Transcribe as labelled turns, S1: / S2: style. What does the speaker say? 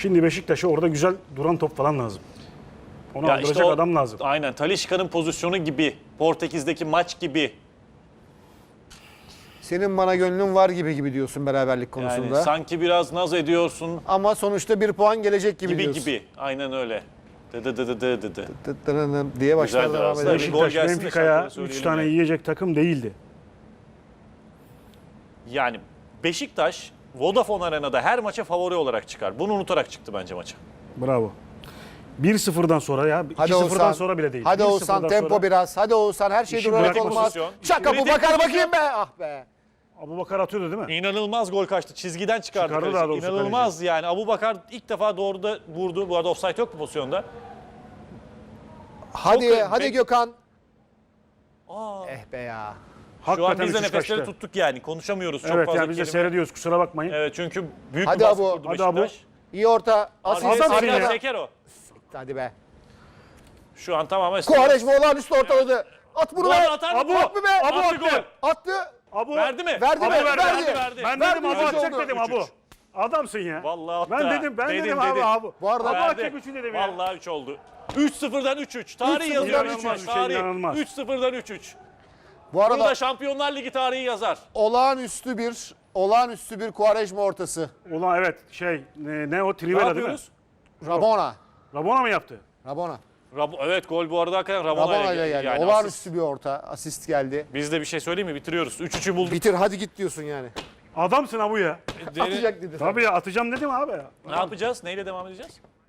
S1: Şimdi Beşiktaş'a orada güzel duran top falan lazım. Onu
S2: Ya
S1: aldıracak
S2: işte
S1: adam lazım.
S2: Aynen. Talisca'nın pozisyonu gibi. Portekiz'deki maç gibi.
S3: Senin bana gönlün var gibi diyorsun beraberlik konusunda.
S2: Yani sanki biraz naz ediyorsun
S3: Ama sonuçta 1 puan gelecek gibi
S2: gibi
S3: diyorsun.
S2: gibi. Aynen öyle. Dı
S3: Diye başlar
S2: Güzeldir
S3: devam
S2: aslında.
S3: edelim.
S2: Bir gol
S1: Beşiktaş
S2: gelsin de
S1: Benfica'ya
S2: şarkıları
S1: 3
S2: söyleyelim
S1: tane
S2: yani.
S1: yiyecek takım değildi.
S2: Yani Beşiktaş Vodafone Arena'da her maça favori olarak çıkar. Bunu unutarak çıktı bence maça.
S1: Bravo. 1-0'dan sonra ya.
S3: Hadi
S1: 2-0'dan
S3: Oğuzhan.
S1: sonra bile değil.
S3: Hadi
S1: 1-0'dan
S3: Oğuzhan tempo
S1: sonra
S3: biraz. Hadi Oğuzhan her şey
S1: İşin
S3: durarak
S1: kritik
S3: olmaz.
S2: pozisyon.
S3: Çak kapı
S2: Kritik
S3: bakar
S2: pozisyon.
S3: bakayım be. Ah be.
S1: Abubakar atıyordu değil mi?
S2: İnanılmaz gol kaçtı. Çizgiden çıkardı.
S1: Çıkardı
S2: kaleci.
S1: daha doğrusu
S2: İnanılmaz yani. Abubakar ilk defa doğruda vurdu. Bu arada offside yok bu pozisyonda.
S3: Hadi
S2: Çok-
S3: hadi
S2: Bek-
S3: Gökhan.
S2: Aa.
S3: Eh be ya.
S2: Şu an
S1: Hakikaten
S2: biz de
S1: 3-3
S2: nefesleri
S1: kaçtı.
S2: tuttuk yani. Konuşamıyoruz çok
S1: Evet
S2: fazla
S1: yani biz de
S2: kelime.
S1: seyrediyoruz kusura bakmayın.
S2: Evet çünkü büyük
S3: Hadi
S2: bir baskı
S3: Abu,
S2: kurdu
S1: hadi Abu.
S2: Beşiktaş.
S3: İyi orta. Asist.
S1: Adam
S2: Arkada
S1: ya.
S2: Seker o.
S3: Hadi be.
S2: Şu an tamamen...
S3: Kuvareşme olağanüstü ortaladı. At bunu
S2: Gol
S3: be.
S2: atar mı?
S1: Abu,
S3: At mı be?
S1: Abu
S2: Attı
S1: attı.
S2: gol.
S3: Attı.
S1: Abu
S2: Verdi mi?
S3: Verdi
S1: Abu
S3: mi?
S1: verdi,
S3: Verdi.
S1: Ben
S3: Verdi,
S1: dedim Abu
S3: üç
S1: atacak
S3: oldu.
S1: dedim
S2: 3-3.
S1: Abu. Adamsın ya.
S2: Vallahi attı.
S1: Ben dedim abi Abu.
S3: Bu arada
S1: Abu
S2: Verdi.
S1: atacak 3'ü dedim ya.
S2: Vallahi 3 oldu. 3-0'dan 3-3. Tarih
S3: 3-0'dan
S2: yazıyor.
S3: 3-3.
S2: İnanılmaz.
S1: Bir şey
S2: Tarih.
S1: inanılmaz.
S2: 3-0'dan 3-3.
S3: bu
S2: Bunu
S3: arada
S2: da Şampiyonlar Ligi tarihi yazar.
S3: olağanüstü bir Kuvareşme ortası.
S1: Ulan evet ne o
S2: Ne
S1: Trivela değil mi?
S2: yapıyoruz?
S3: Rabona.
S1: Rabona mı yaptı?
S3: Rabona.
S2: Evet gol bu arada hakikaten
S3: Rabona
S2: Ramona'yla
S3: ile geldi.
S2: yani asist.
S3: Olağanüstü bir orta. Asist geldi.
S2: Biz de bir şey söyleyeyim mi? Bitiriyoruz. 3-3'ü bulduk.
S3: Bitir hadi git diyorsun yani.
S1: Adamsın Abu ya.
S3: Atacak dedi.
S1: Tabii ya atacağım dedim abi ya.
S2: Ne yapacağız? Neyle devam edeceğiz?